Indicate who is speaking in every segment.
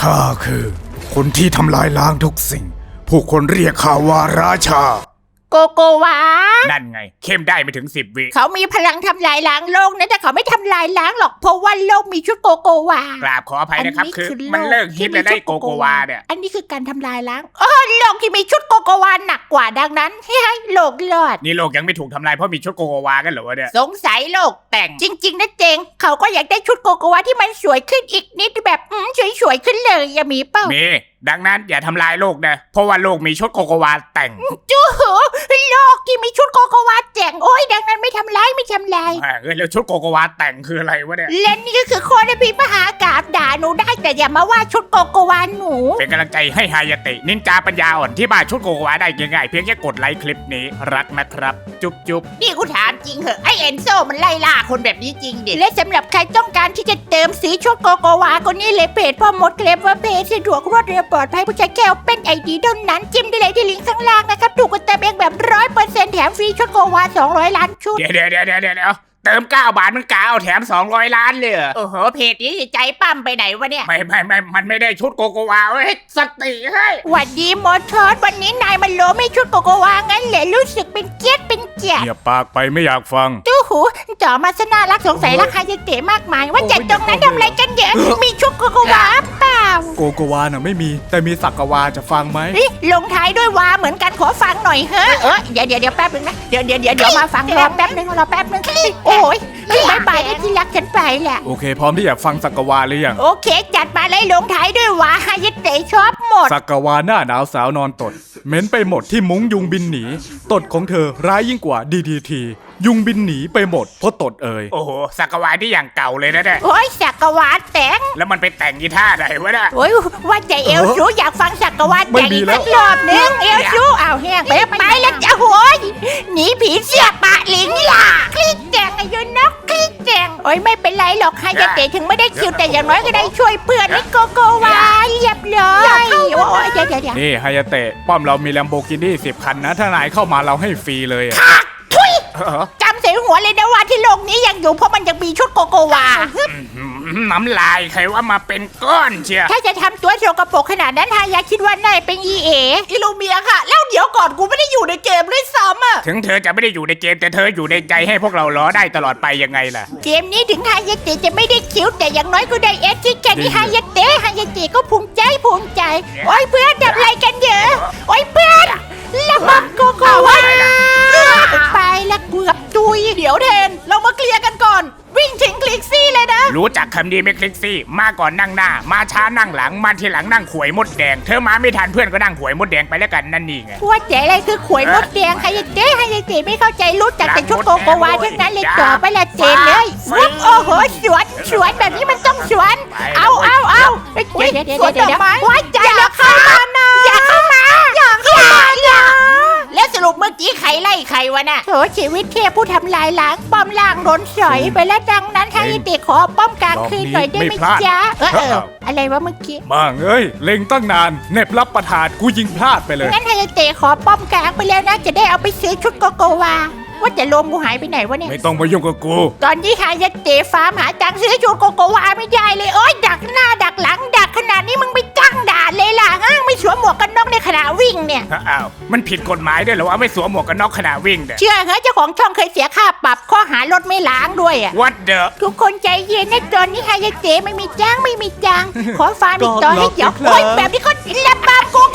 Speaker 1: ข้าคือคนที่ทำลายล้างทุกสิ่งผู้คนเรียกข้าว่าราชา
Speaker 2: โกโกวา
Speaker 3: นั่นไงเข้มได้ไม่ถึง10 วิ
Speaker 2: เขามีพลังทำลายล้างโลกนะแต่เขาไม่ทำลายล้างหรอกเพราะว่าโลกมีชุดโกโกวาก
Speaker 3: ราบขออภัยนะครับคือมันเลิกฮิตแล้วได้โกโกวาเนี่ย
Speaker 2: อันนี้คือการทำลายล้างโลกที่มีชุดโกโกวาหนักกว่าดังนั้นให้โลกรอด
Speaker 3: นี่โลกยังไม่ถูกทำลายเพราะมีชุดโกโกวากันเหรอวะเนี่ย
Speaker 2: สงสัยโลกแต่งจริงๆนะเจงเขาก็อยากได้ชุดโกโกวาที่มันสวยขึ้นอีกนิดแบบสวยๆขึ้นเลยอย่ามีเป้า
Speaker 3: มีดังนั้นอย่าทำลายโลกนะเพราะว่าโลกมีชุดโกโกวาแต่ง
Speaker 2: จู๋โลกที่มีชุดโกโกวาแต่งโอ้ยดังนั้นไม่ทำลาย
Speaker 3: แล้วชุดโกโกวาแต่งคืออะไรวะเนี่ย
Speaker 2: เล่นนี่ก็คือโคตรพิมหากาบด่าหนูได้แต่อย่ามาว่าชุดโกโกวาหนู
Speaker 3: เป็นกำลังใจให้ฮายาเตะนินจาปัญญาอ่อนที่บ้านชุดโกโกวาได้ง่ายๆเพียงแค่กดไลค์คลิปนี้รักนะครับจุ๊บ
Speaker 2: นี่กูถามจริงเหอะไอเอนโซมันไล่ล่าคนแบบนี้จริงดิและสำหรับใครต้องการที่จะเติมสีชุดโกโกวาก็นี่เลยเพจพ่อมดเคลมว่าเพจสะดวกรวดเร็วปลอดภัยผู้ใช้แค่เป็นไอดีเท่านั้นจิ้มได้เลยที่ลิงก์ข้างล่างนะครับถูกกดเติมเองแบบ 100% แถมฟรีชุดโกโกวา200 ล้านชุด
Speaker 3: เดี๋ยวเติม9 บาทมันกาวแถม200 ล้านเลย
Speaker 2: โอ้โหเพจนี้ใจปั้มไปไหนวะเนี่ย
Speaker 3: ไม่มันไม่ได้ชุดโกโกวาเว้ยสติให้
Speaker 2: หวัดดีมอทอสวันนี้นายมันโลไม่ชุดโกโกวางั้นเลยรู้สึกเป็นเกียรติ
Speaker 1: อย่าปากไปไม่อยากฟัง
Speaker 2: ตู้หูจ่อมาซะน่ารักสงสัยราคาจะเตะมากมายว่าจัดตรงนั้นทำอะไรกันเยอะมีชุดโกโกวาเปล่า
Speaker 1: โกโกวาน่ะไม่มีแต่มีสักกวาจะฟังไหม
Speaker 2: ลงท้ายด้วยวาเหมือนกันขอฟังหน่อยเฮ้เดี๋ยวแป๊บนึงนะเดี๋ยวมาฟังรอแป๊บนึงโอ้ยบายได้ที่รักฉันไปแหละ
Speaker 1: โอเคพร้อมที่อยากฟังสักกวาหรือยัง
Speaker 2: โอเคจัดมาเลยลงท้ายด้วยวาฮายเตะชอบหมด
Speaker 1: สักกวาหน้าหนาวสาวนอนตดเหม็นไปหมดที่มุ้งยุงบินหนีตดของเธอร้ายยิ่งกว่า DDT ยุงบินหนีไปหมดเพราะตด
Speaker 3: โอ้โหสักกวาที่อย่างเก่าเลยนะเนี่ย
Speaker 2: โอ้ยสักกวาแต่ง
Speaker 3: แล้วมันไปแต่งกีท่าไหนวะเนี่ย
Speaker 2: โอ้ยว่าใจเอลซูอยากฟังสักกวาแต่งอีกสักรอบนึงเอลซูเอาแห้งไปแล้วจะโอยหนีผีเสียปะลิงล่ะคลิกแต่งอายุนกคลิกแต่งโอ้ยไม่เป็นไรหรอกฮายเตะถึงไม่ได้คิวแต่อย่างน้อยก็ได้ช่วยเพื่อนนี่โกโกวาเรียบร้อยโอ้ยเดี๋ยว
Speaker 1: นี่ฮายเตะป้อมเรามี Lamborghini 10 คันนะถ้านายเข้ามาเราให้ฟรีเลย
Speaker 2: ทุยจำเสียหัวเลยนะว่าที่โลกนี้ยังอยู่เพราะมันยังมีชุดโกโกวา
Speaker 3: น้ำลายใครว่ามาเป็นก้อนเชีย
Speaker 2: ถ้าจะทำตัวโชกระปกขนาดนั้นฮายาคิดว่านายเป็นอิลูเมียค่ะแล้วเดี๋ยวก่อนกูไม่ได้อยู่ในเกมด้วยซ้ำอ่ะ
Speaker 3: ถึงเธอจะไม่ได้อยู่ในเกมแต่เธออยู่ในใจให้พวกเราล้อได้ตลอดไปยังไงล่ะ
Speaker 2: เกมนี้ถึงฮายาเตะจะไม่ได้คิวแต่อย่างน้อยก็ได้ที่แค่นี้ฮายาเตะก็ภูมิใจโอ้ยเพื่อนทำอะไรกันเยอะโอ้ยเพื่อนระเบิดโกโกวาไปละเกือบตุย
Speaker 4: เดี๋ยวเทนเรามาเคลียร์กันก่อนวิ่งทิ้งคลิกซี่เลยนะ
Speaker 3: รู้จักคำดีไหมคลิกซี่มาก่อนนั่งหน้ามาช้านั่งหลังมาทีหลังนั่งขวยมดแดงเธอมาไม่ทันเพื่อนก็นั่งขวยมดแดงไปแล้วกันนั่นนี่ไง
Speaker 2: ว่าแต่อะไรคือขวยมดแดงฮายาเตะไม่เข้าใจรู้จักแต่ชุดโกโกวาทั้งนั้นเลยต่อไปละเจนเลยโอ้โหสวนแบบนี้มันต้องสวนเอาเดี๋ยวว่าใจอย่าเข้ามานะอย่าเข้ามาแล้วสรุปเมื่อกี้ใครไล่ใครวะน่ะโถชีวิตเทพผู้ทำลายล้างป้อมล่างโดนสอยไปแล้วดังนั้นฮายาเตะขอป้อมกลางคืนหน่อยได้ไหมจ๊ะอะไรวะเมื่อกี้
Speaker 1: บ้างเล็งตั้งนานเน็บรับประทานกูยิงพลาดไปเลย
Speaker 2: งั้นฮายาเตะขอป้อมกลางไปแล้วนะจะได้เอาไปซื้อชุดโกโกวาว่าแต่โลมกูหายไปไหนวะเนี่ย
Speaker 1: ไม่ต้องมายุ่งกับกู
Speaker 2: ตอนนี้ฮายาเตะฟาร์มหาตังค์ซื้อชุดโกโกวาไม่ได้เลยโอ๊ยดักหน้าดักหลังดักขนาดนี้มึงไปตั้งด่านเลยล่ะไม่สวมหมวกกันน็อกในขณะวิ่งเนี่ย
Speaker 3: อ้าวมันผิดกฎหมายด้วยเหรอว่าไม่สวมหมวกกันน็อกขณะวิ่งเนี่ย
Speaker 2: เชื่อเหรอเจ้าของช่องเคยเสียค่าปรับข้อหารถไม่ล้างด้วยอ่ะ
Speaker 3: What the
Speaker 2: ทุกคนใจเย็นนะตอนนี้ฮายาเตะไม่มีจ้างขอฟาร์มอีกต่อให้ยับโอ๊ยแบบนี้เขาระบาดโกโก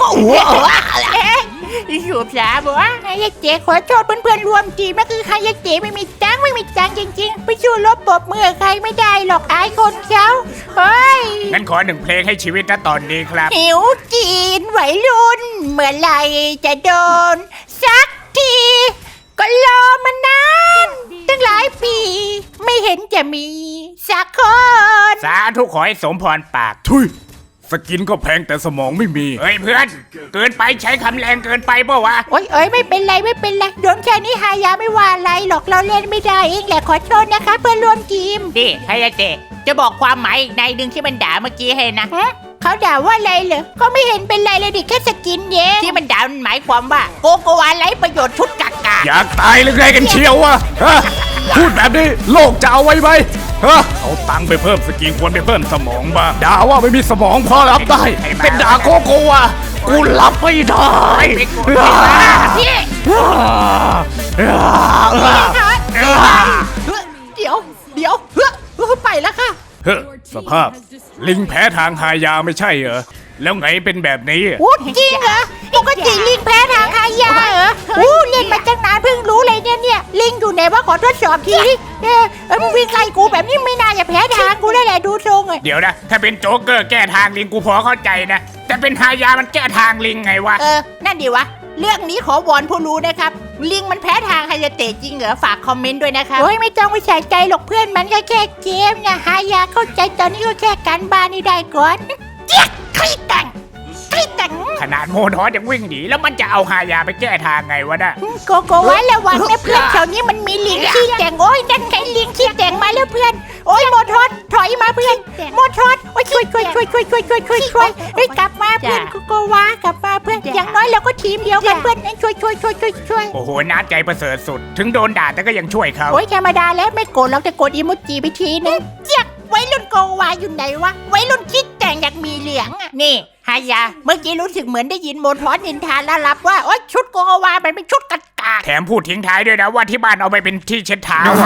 Speaker 2: อยู่สาบอกว่าฮายาเตะขอโทษเพื่อนๆรวมทีมนะคือฮายาเตะไม่มีจ้างจริงๆไปสู้รบปบมือใครไม่ได้หรอกอายคนเขาเฮ้ย
Speaker 3: งั้นขอ1 เพลงให้ชีวิตนะตอนนี้ครับ
Speaker 2: หิวจีนวัยรุ่นเมื่อไหร่จะโดนสักทีก็รอมานานตั้งหลายปีไม่เห็นจะมีสักคน
Speaker 3: สาธุขอให้สมพรปาก
Speaker 1: ทุยสกินก็แพงแต่สมองไม่มี
Speaker 3: เฮ้ยเพื่อนเกินไปใช้คำแรงเกินไปเปล่าวะ
Speaker 2: โอ้ยไม่เป็นไรโดนแค่นี้ฮายาไม่ว่าอะไรหรอกเราเล่นไม่ได้เองแหละขอโทษนะคะเพื่อนร่วมทีม
Speaker 4: ดิฮายาเตะจะบอกความหมายอีกในหนึ่งที่มันด่าเมื่อกี้ให้นะ
Speaker 2: เขาด่าว่าอะไรเหรอก็ไม่เห็นเป็นไรเลยดิแค่สกินเย่
Speaker 4: ที่มันด่ามันหมายความว่าโกโกวาไร้ประโยชน์ชุดกากา
Speaker 1: อยากตายหรือไงกันเชียววะพูดแบบนี้โลกจะเอาไว้ไหมฮะ
Speaker 3: เอาตังค์ไปเพิ่มสกิลควรไปเพิ่มสมองบ้าง
Speaker 1: ด่าว่าไม่มีสมองพอรับได้ เป็นด่าโกโก้อะกูรับไม่ได้
Speaker 2: พี่เดี๋ยวไปแล้วค่ะ
Speaker 3: เฮ้อสภาพ ลิงแพ้ทางหายาไม่ใช่เหรอ แล้วไงเป็นแบบนี้อะ
Speaker 2: โอ้จริงเหรอปกติลิงแพ้ทางอายาเหรอเล่นมาตั้งนานเพิ่งรู้เลยเนี่ยลิงอยู่ไหนวะขอทดสอบทีดิมึงวิ่งไล่กูแบบนี้ไม่น่าจะแพ้ทางกูได้แหละดูทรงเลย
Speaker 3: เดี๋ยวนะ ถ้าเป็นโจ๊กเกอร์แก้ทางลิงกูพอเข้าใจนะ แต่เป็นหายามันแก้ทางลิงไงวะ
Speaker 2: นั่นดีวะเรื่องนี้ขอวอนผู้รู้นะครับลิงมันแพ้ทางไฮยาเตะจริงเหรอฝากคอมเมนต์ด้วยนะครับโอ้ยไม่ต้องไปใส่ใจหรอกเพื่อนมันก็แค่เกมนะฮายาเข้าใจตอนนี้ก็แค่การบ้านนี่ได้ก่อนเจี๊ยกคลิกตัง
Speaker 3: ขนาดโมทอสยังวิ่งหนีแล้วมันจะเอาหายาไปแก้ทางไงวะน่ะ
Speaker 2: โกโกวะระวังนะเพื่อนแถวนี้มันมีลิงขี้แต่งโอ้ยนั่นไงลิงขี้แต่งมาแล้วเพื่อนโอ้ยโมทอสถอยมาเพื่อนโมทอสโอ้ยช่วยเฮ้ยกลับมาเพื่อนโกโกวะกลับมาเพื่อนอย่างน้อยเราก็ทีมเดียวกันเพื่อนช่วย
Speaker 3: โอ้โหน้าใจประเสริฐสุด ถึงโดนด่าแต่ก็ยังช่วยเขา
Speaker 2: โอ้ยธรรมดาแล้วไม่โกรธเราจะกดอีโมจิไปทีนึงเจี๊ยกไว้รุ่นโกวาอยู่ไหนวะไว้รุ่นคิดแต่งอยากมีเหลืองอ่ะนี่ฮายาเมื่อกี้รู้สึกเหมือนได้ยินโมทอสนินทาแล้วรับว่าโอ้ยชุดโกวามันเป็นชุดกากา
Speaker 3: แถมพูดทิ้งท้ายด้วยนะว่าที่บ้านเอาไปเป็นที่เช็ดเท้าอะ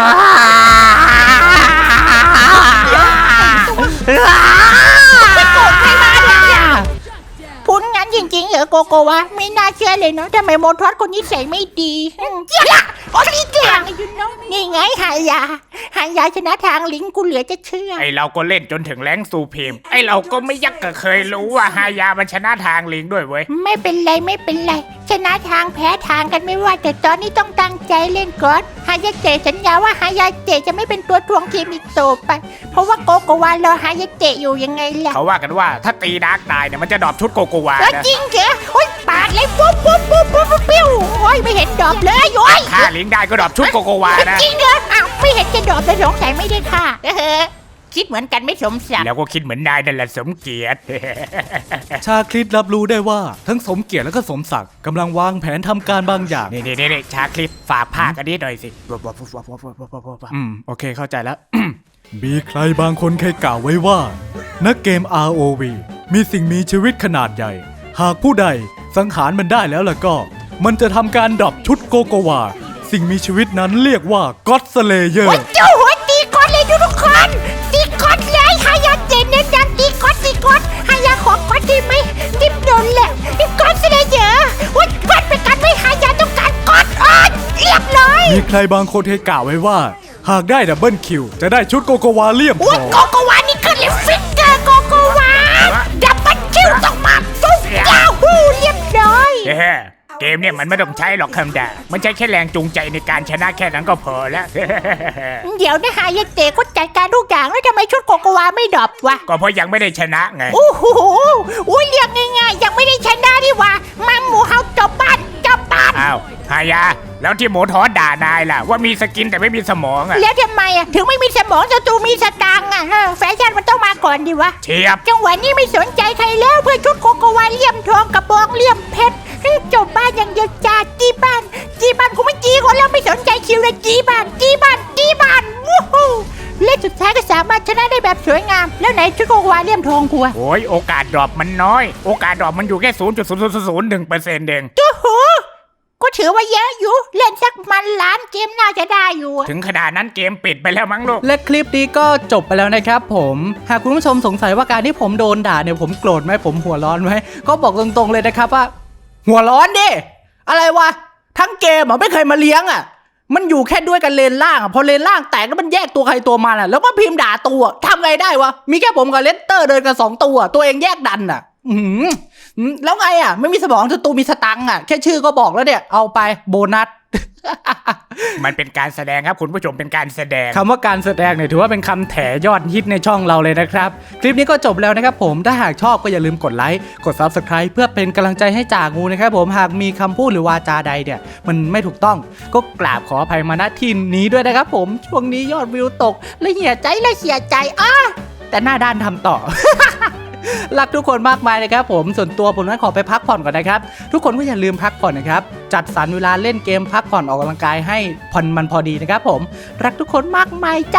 Speaker 2: ไม่โกรธใครมาเนี่ยพูดงั้นจริงๆเหรอโกโกวะไม่น่าเชื่อเลยเนาะทำไมโมทอสคนนี้ใส่ไม่ดีเจี๊ยกโอ้ยนี่แกงอยู่เนาะนี่ไงฮายาชนะทางลิงกูเหลือจะเชื่อ
Speaker 3: ไอเราก็เล่นจนถึงแรงซูเพมไอเราก็ไม่ยักก็เคยรู้ว่าหายามันชนะทางลิงด้วยเว้ย
Speaker 2: ไม่เป็นไรชนะทางแพ้ทางกันไม่ว่าแต่ตอนนี้ต้องตั้งใจเล่นก่อนฮายาเตะสัญญาว่าฮายาเตะจะไม่เป็นตัวทวงทีมอีกต่อไปเพราะว่าโกโกวารอฮายาเตะอยู่ยังไงล่ะ
Speaker 3: เขาว่ากันว่าถ้าตีดาร์กตายเนี่ยมันจะดรอปชุดโกโกวา
Speaker 2: แล้ว
Speaker 3: นะ
Speaker 2: จริงเหรอโอ้ยปาดเลยปุ๊บปิ้วโอ้ยไม่เห็นดอกเลยโอ้ย
Speaker 3: ฆ่าลิงได้ก็ดรอปชุดโกโกวานะ
Speaker 2: จริงเหรออ้าวไม่เห็นจะดอกเลยสงสัยไม่ได้ค่ะคิดเหมือนกันไม่สมศักดิ์
Speaker 3: แล้วก็คิดเหมือนนายนั่นแหละสมเกียรติ
Speaker 1: ชาคริตรับรู้ได้ว่าทั้งสมเกียรติและก็สมศักดิ์กำลังวางแผนทำการบางอย่าง
Speaker 3: นี่ชาคลิปฝากภาคอันนี้หน่อยสิ
Speaker 1: โอเคเข้าใจแล้ว มีใครบางคนเคยกล่าวไว้ว่า นักเกม ROV มีสิ่งมีชีวิตขนาดใหญ่ หากผู้ใดสังหารมันได้แล้วล่ะก็ มันจะทำการดรอปชุดโกโกวา สิ่งมีชีวิตนั้นเรียกว่าก็อดสเลเยอ
Speaker 2: โอ้ย
Speaker 1: ร์
Speaker 2: เจ้าหัวตีก้อนเลยทุกคนตีก้อนเลยฮายาเจนเน้นย้ำตีก้อนฮายาขอก้อนได้ไหมดิบโดนแหละดิบก้อนเสนอเยอะวัดก้อนไปกันไม่ฮายาต้องการก้อนเรียบร้อย
Speaker 1: มีใครบางคนเคยกล่าวไว้ว่า หากได้ดับเบิลคิวจะได้ชุดโกโกวาเลี่ยมท
Speaker 2: วั
Speaker 1: อ
Speaker 2: ด
Speaker 1: ง
Speaker 2: โกโกวานี่คือเลฟิกเกอร์โกโกวาดับเบิลคิวต้องมาปุ๊บยาฮูเรียบร้อย
Speaker 3: เกมเนี่ยมันไม่ต้องใช้หรอกคำด่ามันใช้แค่แรงจูงใจในการชนะแค่นั้นก็พอแล้ว
Speaker 2: เดี๋ยวนะฮายาเตะก็จัดการทุกอย่างแล้วทำไมชุดโกโกวาไม่ดรอปวะ
Speaker 3: ก็เพราะยังไม่ได้ชนะไง
Speaker 2: โอ้โหเรียกง่ายๆยังไม่ได้ชนะดิวะมาหมูเฮาจบบ้าน
Speaker 3: อ้าวหายา แล้วที่โมทอสด่านายล่ะ ว่ามีสกินแต่ไม่มีสมองอ่ะ
Speaker 2: แล้วทำไมถึงไม่มีสมองศัตรูมีสตางค์แฟชั่นมันต้องมาก่อนดิวะ
Speaker 3: เชียบ
Speaker 2: จังหวะนี้ไม่สนใจใครแล้วเพื่อชุดโกโกวาเลี่ยมทองกระบองเลี่ยมเพชรจบบ้านอย่างเดียวจ้าจี้บ้านกูไม่จี้คนแล้วไม่สนใจคิวเลยจี้บ้านวู้ฮู้เล่นสุดท้ายก็สามารถชนะได้แบบสวยงามแล้วไหนชุดโกโกวาเลี่ยมทองกูอะ
Speaker 3: โอ้ยโอกาสดรอปมันน้อย โอกาสดรอปมันอยู่แค่ 0.0001%เอง
Speaker 2: โอ้โหก็ถือว่าเยอะอยู่เล่นสักมันล้านเกมน่าจะได้อยู่
Speaker 3: ถึงขนาดนั้นเกมปิดไปแล้วมั้งลูก
Speaker 5: และคลิปนี้ก็จบไปแล้วนะครับผมหากคุณผู้ชมสงสัยว่าการที่ผมโดนด่าเนี่ยผมโกรธไหมผมหัวร้อนไหมก็บอกตรงๆเลยนะครับว่า หัวร้อนดิอะไรวะทั้งเกมไม่เคยมาเลี้ยงมันอยู่แค่ด้วยกันเลนล่างพอเลนล่างแตกแล้วมันแยกตัวใครตัวมันแล้วก็พิมพ์ด่าตัวทำไงได้วะมีแค่ผมกับเลสเตอร์เดินกัน2ตัวเองแยกดันแล้วไงไม่มีสมองศัตรูมีสตังค์แค่ชื่อก็บอกแล้วเนี่ยเอาไปโบนัส
Speaker 3: มันเป็นการแสดงครับคุณผู้ชมเป็นการแสดง
Speaker 5: คำว่าการแสดงเนี่ยถือว่าเป็นคำแถยอดฮิตในช่องเราเลยนะครับคลิปนี้ก็จบแล้วนะครับผมถ้าหากชอบก็อย่าลืมกดไลค์กด Subscribe เพื่อเป็นกำลังใจให้จ่างูนะครับผมหากมีคำพูดหรือวาจาใดเนี่ยมันไม่ถูกต้องก็กราบขออภัยมาณที่นี้ด้วยนะครับผมช่วงนี้ยอดวิวตกและเสียใจแต่หน้าด้านทำต่อ รักทุกคนมากมายนะครับผมส่วนตัวผมนั้นขอไปพักผ่อนก่อนนะครับทุกคนก็อย่าลืมพักผ่อนนะครับจัดสรรเวลาเล่นเกมพักผ่อนออกกำลังกายให้ผ่อนมันพอดีนะครับผมรักทุกคนมากมายจ้ะเ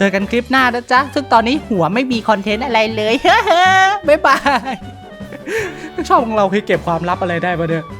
Speaker 5: เจอกันคลิปหน้านะจ๊ะซึ่งตอนนี้หัวไม่มีคอนเทนต์อะไรเลย บ๊ายบายช่องของเราเคยเก็บความลับอะไรได้ปะเนี่ย